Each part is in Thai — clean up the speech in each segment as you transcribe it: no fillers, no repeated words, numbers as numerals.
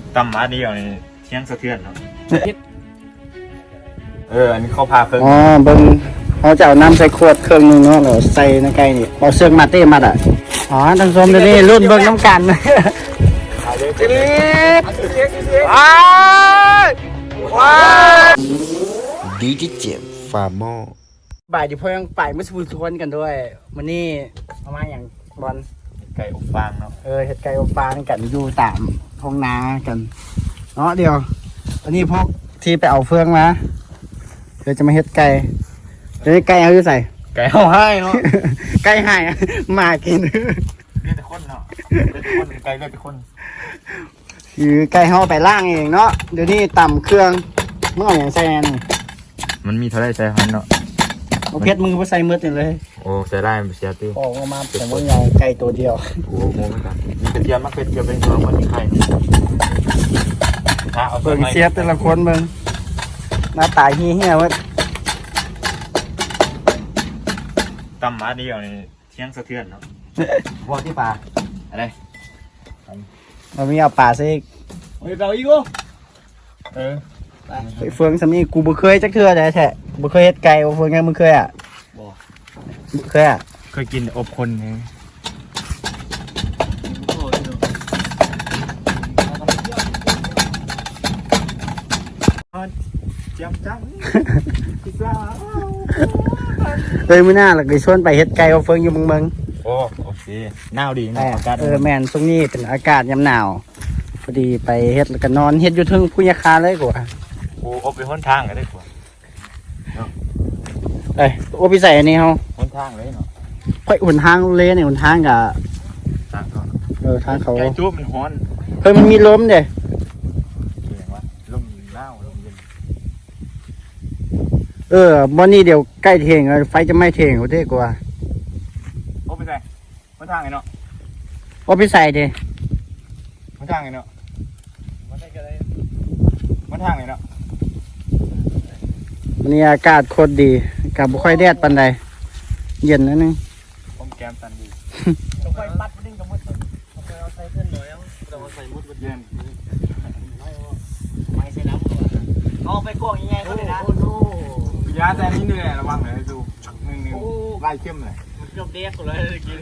ตำมาเดียวนี่เที่ยงสะเทือนเนาะอันนี้เขาพาเพิ่งอ๋อเบิ่งเขาจะเอาน้ำใส่ขวดเครื่องนึงเนาะแล้วใส่ในไก่นี่เอาเสื้อมาเต้มัดอ่ะอ๋อท่านผู้ชมเดี๋ยวนี้รุ่นเบิ่งน้ำกันว้าวดีที่เจ็บฟาร์มอบ่ายเดี๋ยวพอยังไปมาสูทวนกันด้วยวันนี้เอามาอย่างบอลไก่อบฟางเนาะเห็ดไก่อบฟางกันอยู่ตามท้องนากันเนาะเดี๋ยวอันนี้พวกที่ไปเอาเฟืองมาเดี๋ยวจะมาเห็ดไก่เดี๋ยวไก่เอาอยู่ใส่ไก่เอาให้เนาะไก่ให้มากินเลือดแต่คนเนาะเลือดแต่คนไก่เลือดแต่คนคือไก่เขาไปล่างเองเนาะเดี๋ยวนี้ต่ำเครื่องเมื่ออย่างใส่นี่มันมีเท่าไรใส่หันเนาะเอาเพชรมึงไปใส่มืดนี่เลยโอ้ใส่ได้มันเสียตีออกมาแต่ว่าอย่างไก่ตัวเดียวโอ้โหเหมือนกันมีกระเทียมมากกระเทียมเป็นตัวมันมีไข่ถ้าเอาเบิ่งเสียบแต่ละคนเบิ่งหน้าตาเหี้ยๆว่าตำมาเดียวนี่เที่ยงสะเทือนเนาะพวกที่ป่าอะไรเราไม่เอาป่าซะอีกเฮ้ยเราอีกกูไปเฟืองสำนีกูบ่เคยจักเทื่อแท้ๆบ่เคยเฮ็ดไก่บ่เฟืองไงมึงเคยอ่ะบ่เคยอ่ะเคยกินอบคนไงเจียมจังเลยมื้อหน้าหลักได้ชวนไปเฮ็ดไก่บ่เฟืองอยู่เมืองโอ้โอเคหนาวดีๆนะอากาศแม่นช่วงนี้เป็นอากาศยามหนาวพอดีไปเฮ็ดแล้วก็นอนเฮ็ดอยู่เทึงพุญคาเลยกว่าโอ้อบไปหนทางก็ได้กว่าเอ้ยโอ้พี่ใส่อันนี้เฮาหนทางเลยเนาะค่อยหนทางเลยนี่หนทางก็ทางก่อนทางเขาไก่จุ๊บมันฮ้อนเฮ้ยมันมีลมเด้เสียงว่าลมหนาวลมเย็นบ่นี่เดี๋ยวใกล้เที่ยงแล้วไฟจะไหม้เที่ยงโหเด้กว่าโอ้ไปใส่หนทางไงเนาะโอ้พี่ใส่เด้หนทางไงเนาะหนทางไงเนาะวันนี้อากาศโคตรดีอากาศบ่ค่อยแดดปานใดเย็นนิดนึงผมแกมตันดีต้องไปปัดบ่ดิ้งกับมดต้องไปเอาใส่เพิ่นหน่อยต้องเอาใส่มดบ่เย็นไม่ใส่น้ำก่อนเอาไปกวางยังไงเขาเลยนะยาแต่นี้เหนื่อยระวังเลยดูหนึ่งไล่เข้มเลยมันเกือบเด็กเลยกิน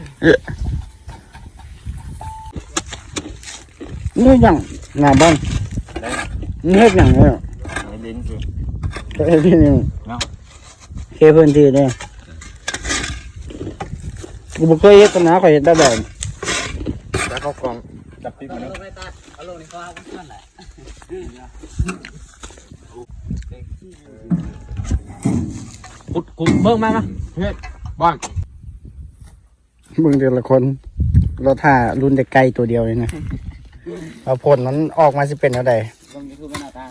นี่ยังงาบ้านนี่เฮ็ดหยังเนี่ยลิ้นคือเฮ็ดที่นี่เนาะเคพื้นที่เด้กูบ่เคยเฮ็ดนะข่อยเฮ็ดได้แบบแล้วเขากองจับติ๊กมาเนาะเอาลงนี่ก็เอาเพื่อนแหละกูเบิ่งมาเฮ็ดบ้านเบิ่งแต่ละคนเราท่ารุ่นเด็กไก่ตัวเดียวเลยนะเอาผลมันออกมาสิเป็นเท่าใดตรงนี้คือมันหน้าตา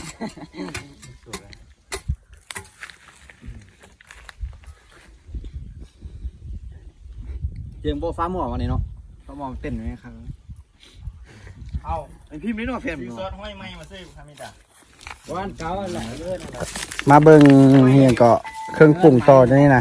เจียงโบฟ้าหมอวันนี้เนาะฟ้าหมอเต้นไหมครับเอาไอพี่ไม่รู้ว่าเฟรมซื้อเนาะซอสห้อยไม้มาซื้อทำไม่ได้วันเก่าอันไหนเลื่อนอะไรมาเบิ่งเฮียก็เครื่องปรุงต่อเดี๋ยวนี่นะ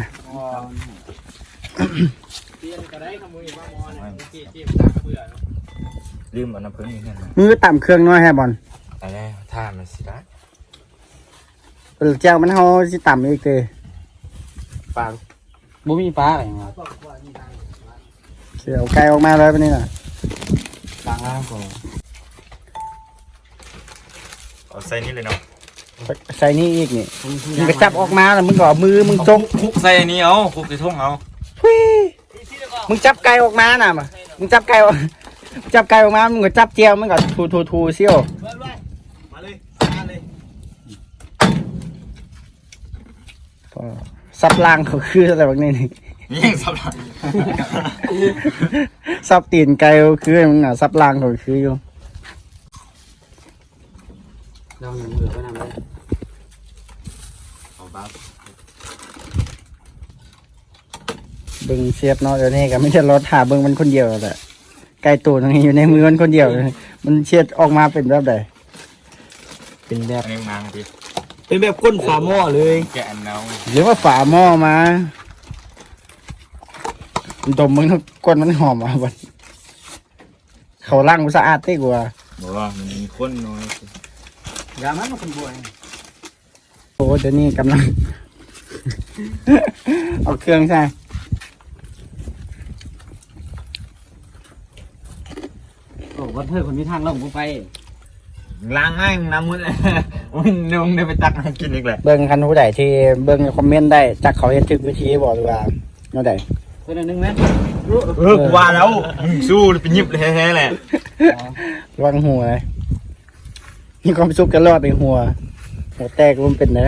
เตียนก็ได้ขโมยฟ้าหมอเนี่ยเจียมตากระเบื่อเนาะลืมเอาน้ำผึ้งนี่เนี่ยมือต่ำเครื่องน้อยแฮบอลอะไรท่ามันสิได้เจ้ามันเฮาสิต่ำอีกเด้ปลาบ่มีฟ้าอะไรเงี้ยเสียวไก่ออกมาเลยปะนี่น่ะต่างล่างก่อนเอาใส่นี่เลยเนาะใส่นี่อีกนี่มึงก็จับออกมาแล้วมึงก็เอามือมึงจงคุกใส่นี่เอาคุกใส่ทุ่งเอาทุยมึงจับไก่ออกมาน่ะมามึงจับไก่ออกจับไก่ออกมามึงก็จับเจียวมึงก็ทูเซี่ยวมาเลยมาเลยสับล่างเขาคืออะไรแบบนี้นี่นี่ยังสับหลังสับตีนไก่เขาคือมึงอ่ะสับล่างเขาคืออยู่เราหนึ่งเหลือก็นำเลยเอาบ้าเบิ่งเสียบเนาะเดี๋ยวนี้ก็ไม่ใช่รถหาเบิ่งมันคนเดียวแหละไก่ตัวนึงอยู่ในมือมันคนเดียวเลยมันเชียดออกมาเป็นแบบใดเป็นแบบอันนี้นางดิเป็นแบบก้นฝาหม้อเลยแกะอันเนาหรือว่าฝาหม้อมาดมมึงทุกก้นมันหอมอ่ะบัดเขาล้างมันสะอาดได้กว่าบอกว่ามันมีคนน้อยยามันมันคนบวยโอ้เดี๋ยวนี้กำลัง เอาเครื่องใช่โอ้วัดเธอคนมีทางลงกูไปล้างง่ายน้ำมุดเลยมึงเดี๋ยวมึงได้ไปตักให้กินอีกแหละเบิ้งคันผู้ใดที่เบิ้งคอมเมนต์ได้จักเขาเฮ็ดถึงวิธีบอกดีกว่าเนาะใดคนนึงไหมกูว่าแล้วมึงสู้ไปยิบเลยแท้ๆแหละระวังหัวเลยมีความสุขกันรอดในหัวแตกมันเป็นไง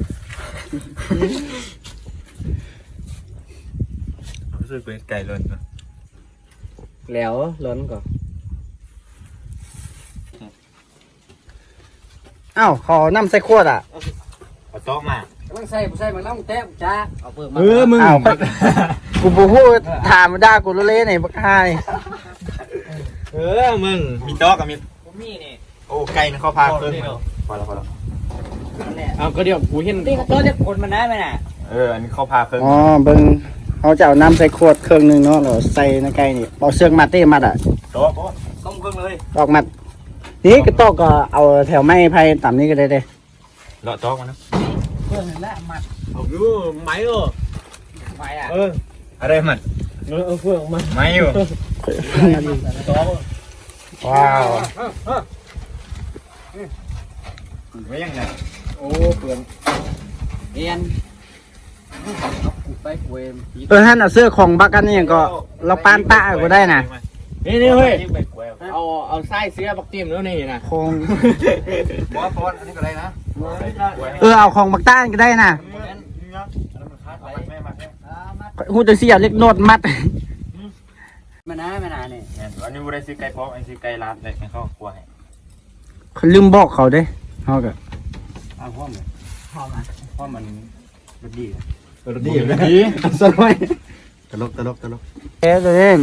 รู้สึกเป็นไก่ล้นแล้วล้นก่อนอ้าวขอน้ำใส่ขวดอ่ะเอาโต๊ะมาต้องใส่มันต้องแต้มจ้าเอาเปิดมามึงอ้าวกูบูพูดถามมาด่ากูเละๆหน่อยบักไฮมึงมีโต๊ะกับมีผมมีนี่โอ้ไก่เขาพาเพิ่มพอแล้วเอาก็เดี๋ยวกูเห็นตีกระโดดจะคนมันได้ไหมน่ะอันนี้เขาพาเพิ่มอ๋อเบิ้งเขาจะเอาน้ำใส่ขวดเครื่องหนึงเนาะแล้วใส่ในไก่นี่เอาเสื้อมัดเต้มัดอ่ะโต๊ะต้มเครื่องเลยตอกมัดนี่ก็ตอกก็เอาแถวไม้ไผ่ต่ำนี้ก็ได้เด้เลาะโต๊ะมานะเพื่อนละมัดเอาดูไม้เออไม้อ่ะอะไรมันเพื่อนมันไม้อยู่ว้าวไม่ยังไงโอ้เพื่อนเอ็นไปเวมท่านเอาเสื้อของบักกันนี่ยังก็เราปานตะก็ได้นะนี่เฮ้ยเอาไส้เสื้อบักเตียมแล้วนี่นะของบอสบอสอันนี้ก็ได้นะเอาของบักต้านก็ได้นะหูจะเสียเล็กโนดมัดมันนะเนี่ยอันนี้บุได้ซื้อไก่พร้อมอันซื้อไก่ลาดเลยให้เขากลัวให้เขาลืมบอกเขาเด้เขาก็เอาพ่อมันพ่อมันมันดีดีดีสบายตลกตลกตลกเอ๊ะเด้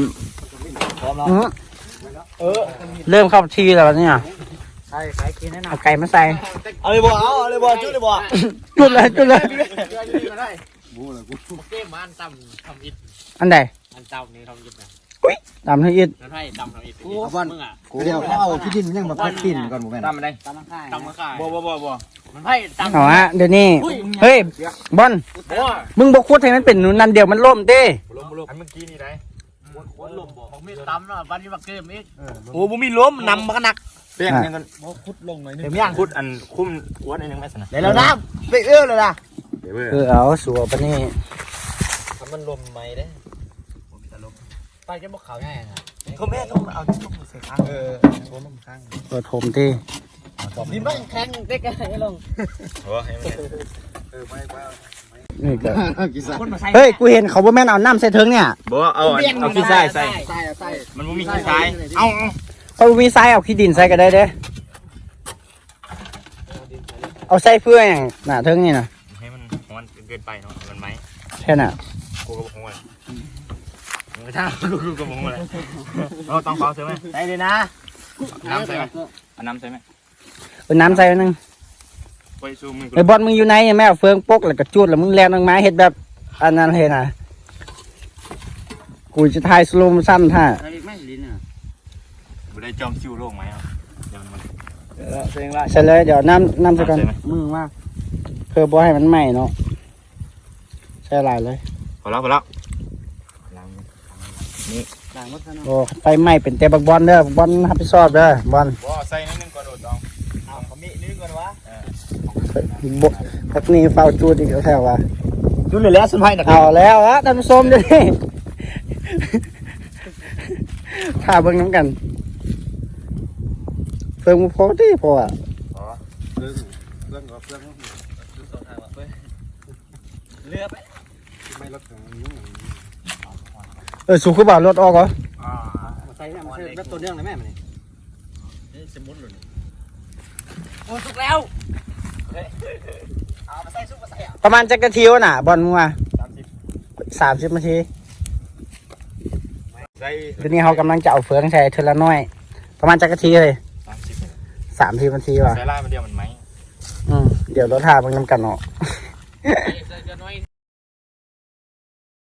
เริ่มเข้าทีแล้วเนี่ยใช่ใครกินแน่นอนเอาไก่มาใส่เอาเลยบ่เอาเลยบ่จุดเลยบ่จุดเลยจุดเลยบูเลยกูเก้มันตำทำอิดอันใดอันตำนี่ทำอิดนะตามให้อิดนั่นให้ตำทำอิดมึงอ่ะเดี๋ยวเขาเอาที่ดินยังมาพัดปิ่นก่อนหมูแม่นตามมาได้ตำข้างตำข้างบ่มันให้ตำเอาฮะเดี๋ยวนี้เฮ้ยบอลมึงบอกคุดให้มันเป็นนั่นเดียวมันล่มเด้อันเมื่อกี้นี่ได้คนลมบอกผมมีตำนะวันนี้มาเกมอีกโอ้บ่มีล้มนำมากันหนักเปี้ยงกันพุดลงหน่อยนึงเดี๋ยวย่างคุดอันคุ้มอ้วนอันนึงแม่สนะเดี๋ยวเราน้ำไปเอื้อเลยล่ะเดี๋ยวเว้ยเอาสัวปะนี่มันลมไหมเด้ไปจะบอกเขาง่ายนะเขาแม่ต้องเอาทุกมือใส่ข้างโอ้ลมข้างเปิดผมที่ดินบ้านแข็งเด็กให้ลงโอ้ให้มันนี่ก็กิซ่าคนมาใส่เฮ้ยกูเห็นเขาบ่แม่นเอาน้ำใส่เทิงเนี่ยบ่เอาขี้ทรายใส่ใส่มันบ่มีขี้ทรายเอาเขามีทรายเอาขี้ดินใส่ก็ได้เด้เอาใส่เพื่ออย่างหน้าเทิงนี่นะให้มันฮ้อนเกินไปเนาะมันไหมแค่น่ะกูก็บอกฮ้อนมึงก็ช่างกูก็บอกฮ้อนเลยเราต้องเผาใช่ไหมใส่เลยนะน้ำใส่ไหมเอาน้ำใส่ไหมเอาน้ำใส่ไว้นึงไปซูมือไอ้บอลมึงอยู่ไหนแม่เอาเฟืองปกแล้วก็จุดแล้วมึงแลนลงมาเฮ็ดแบบอันนั้นเฮ็ดน่ะกูจะถ่ายสโลว์สั้นท่าใส่ไม่ลิ้นอ่ะกูได้จอมคิวโลกไหมอ่ะเดี๋ยวมันเสียงไรใส่เลยเดี๋ยวน้ำใส่ก่อนใส่ไหมมือมากเพื่อบ่ให้มันไหม้เนาะใส่หลายเลยพอแล้วล้างหลังวัฒนธรรมโอ้ไฟไหม้เป็นแต่บักบอลเด้อบักบอลรับผิดชอบเด้อบอลบ่ใส่นิดนึงก่อนโดดตองเอาเขามีนิดก่อนวะบ่พักนี้เฝ้าจูดอีกแถวว่าจุดเลยแล้วสุดท้ายนะเอาแล้วอะท่านผู้ชมเดี๋ยวนี้ ถ้าเบิ่งน้ำกันเพิ่งพอที่พออ่ะเรื่องก็เรื่องเรือไปไม่ลดของสูคือบ่ารถออกเหรอใส่เนี่ยมันใส่แบบตัวเรื่องเลยแม่มันนี่สมุนหลุดโอ้สุกแล้วเอามาใส่ซุปมาใส่อ่ะประมาณจักรทีวะน่ะบอลมึงว่า30 นาทีใส่เดี๋ยวนี้เขากำลังจะเอาเฟืองใส่เทอละน้อย ประมาณจักรทีเลย30 นาทีว่ะใส่ล่ามันเดียวมันไหมเดี๋ยวรถหาเบิ่งน้ำกันเนาะใส่น้อย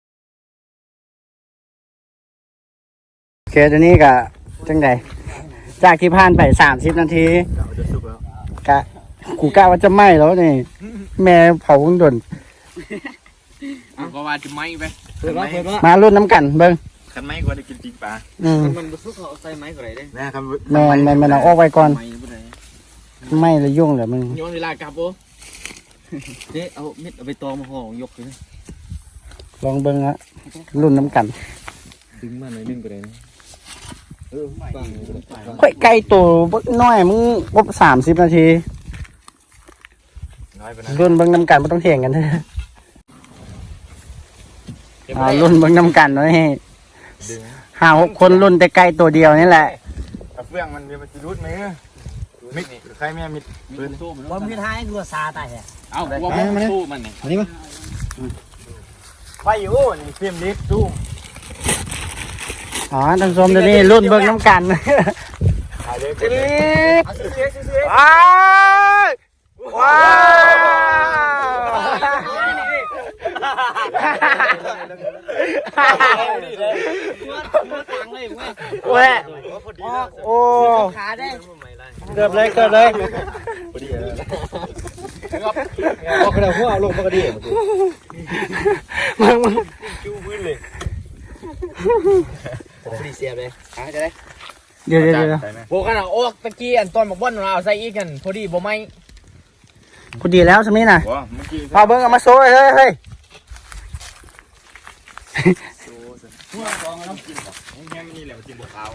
โอเคเดี๋ยวนี้ก็จังใดจากที่ผ่านไป30 นาทีจะสุกแล้วกะกูกะว่าจะไหม้แล้วนี่แม่เผาดนก็ว่าจะไหม้ไปเปิดว่ามารุ่นน้ำกันเบิ่งคันไม้กว่าได้กินปีกปลามันบุซุกเขาใส่ไม้ก็ได้เด้นะครับแม่นเอาออกไว้ก่อนไม้บ่ได้ไหม้แล้วยุ่งแหละมึงย้อนเวลากลับโอ้เจ๊เอาเม็ดเอาไปตอมาห่อยกเลยลองเบิ่งฮะรุ่นน้ำกันดึงมาหน่อยนึงก็ได้ฟังค่อยไก่ตัวบักน้อยมึงบ่30 นาทีน้อยไปนะรุ่นเบิ่งน้ำกันบ่ต้องเถียงกันเด้อรุ่นเบิ่งน้ำกันเนาะนี่ดึง 5-6 คนรุ่นแต่ไก่ตัวเดียวนี่แหละถ้าเฟื่องมันเดี๋ยวมันจะรุดไหมมิดใครแม่มิดปืนว่ามีท้ายรัวซาตายแฮะเอ้าว่ามันสู้มันนี่อันนี้มั้ยไฟอยู่นี่เฟียมลิฟตู้อ๋อท่านผู้ชมเดี๋ยวนี้รุ่นเบิ่งน้ำกันถ่ายเลยว้าวว้าวเว้ยโอ้ขาได้เกือบเลยพอดีเลยเอากระดาษหัวเอาลงปกติมึงจู้พื้นเลยพอดีเสียบเลยจะได้เดี๋ยวโบกันอ่ะโอ้ตะกี้อันต้นบอกว่าเราเอาใส่อีกกันพอดีบ่ไม่พอดีแล้วสำนี้น่ะว้าเมื่อกี้พอเบิ้งเอามาโซ่เฮ้ยหัวกองน้ำกินป่ะแห้งนี่แหละกินบัวขาว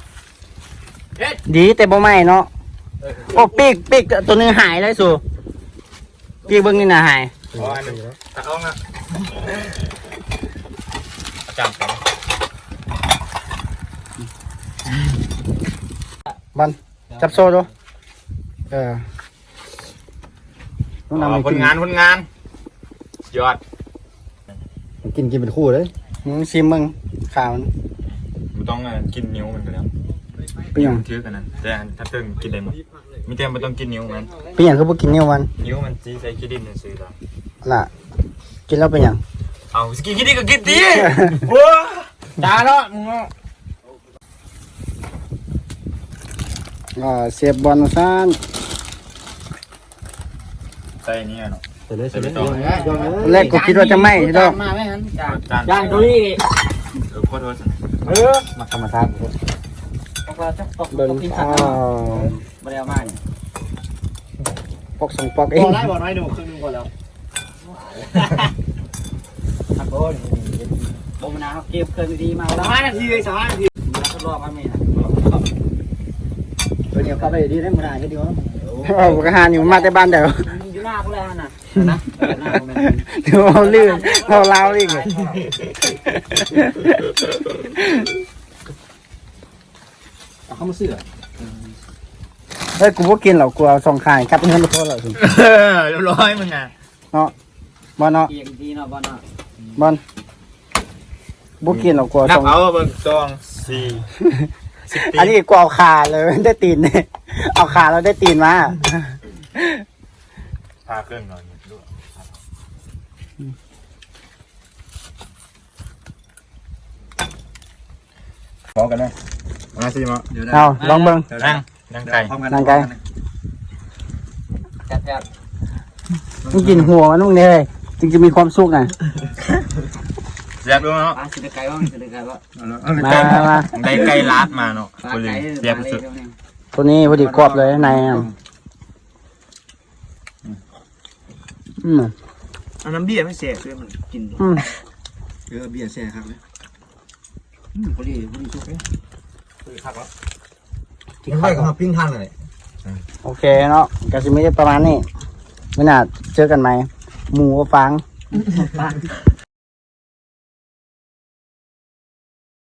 ดีแต่บ่ไหม้เนาะโอ้ปีกตัวนึงหายเลยสูปีกเบิ้งนี่น่ะหายอ๋ออันนี้ตัดออกนะจำไปบันจับโซ่ดูต้องนำไปผลงานยอดกินเป็นคู่เลยมึงชิมมึงข่าวมันมันต้องกินนิ้วมันกันแล้วเป็นหยังถือกันนะแต่ถ้าเติมกินได้หมดมีแต่มันต้องกินนิ้วมันเป็นหยังคือบ่กินเนี่ยวันนิ้วมันจีใส่ขี้ดินซื้อแล้วล่ะกินแล้วเป็นหยังเอาสกินขี้ดินก็กินดีว้าจ้าเนาะมึงเสียบบอลซ่านใส่เนี่ยเนาะเสร็จเลยเสร็จเลยแรกกูคิดว่าจะไหม้ใช่ไหมมาไหมฮันจานตัวนี้ขอโทษมาธรรมชาติเบิ้งอ๋อบ่ได้เอามาปอกสองปอกเองได้บ่น้อยดูครึ่งนึงก่อนแล้วครับโอ้ยบ่มานาวเก็บเคยดีมาแล้ว5 นาทีเลย3 นาทีทดลองกันมั้ยนะเดี๋ยวเข้าไปดีได้มื้อหน้าเดี๋ยวกระหานี่มันมาแต่บ้านเดียวอยู่หน้ากูแล้วน่ะนะหน้ากูแม่เดี๋ยวเอาลื่นเอาเล้าอีกเอาเข้ามาซื้อเฮ้ยกูบ่กินหรอกกูเอาสองขายครับเงินมาโทษหรอกเรียบร้อยมึงอ่ะบอลเนาะเกียงดีเนาะบ่เนาะบอลบ่กินหรอกกูเอานัสบองเอาเบิ่ง2 4 10 อันนี้กูเอาขาเลยได้ตีนเนี่ยเอาขาแล้วได้ตีนมาพาเครื่องหน่อยดูพอกันไหมมาสิมาเอาลองเบิ่งนั่งไก่นั่งไกลจัดมึงกินหัวมันมึงเนี่ยจึงจะมีความสุขน่ะเสียบดูเนาะๆสิได้ไก่บ่สิได้ไก่บ่มาได้ไก่ลาดมาเนาะคนเลยเสียบสุดตัวนี้พอดีกรอบเลยในอ่ะเอาน้ำเบี้ยไม่เสียคือมันกินเบียร์แซ่ครับเลยพอดีสุกเลยกินไปกับปิ้งทานเลยโอเคเนาะกาซิมิได้ประมาณนี้ไม่น่าเจอกันไหมหมูกับฟาง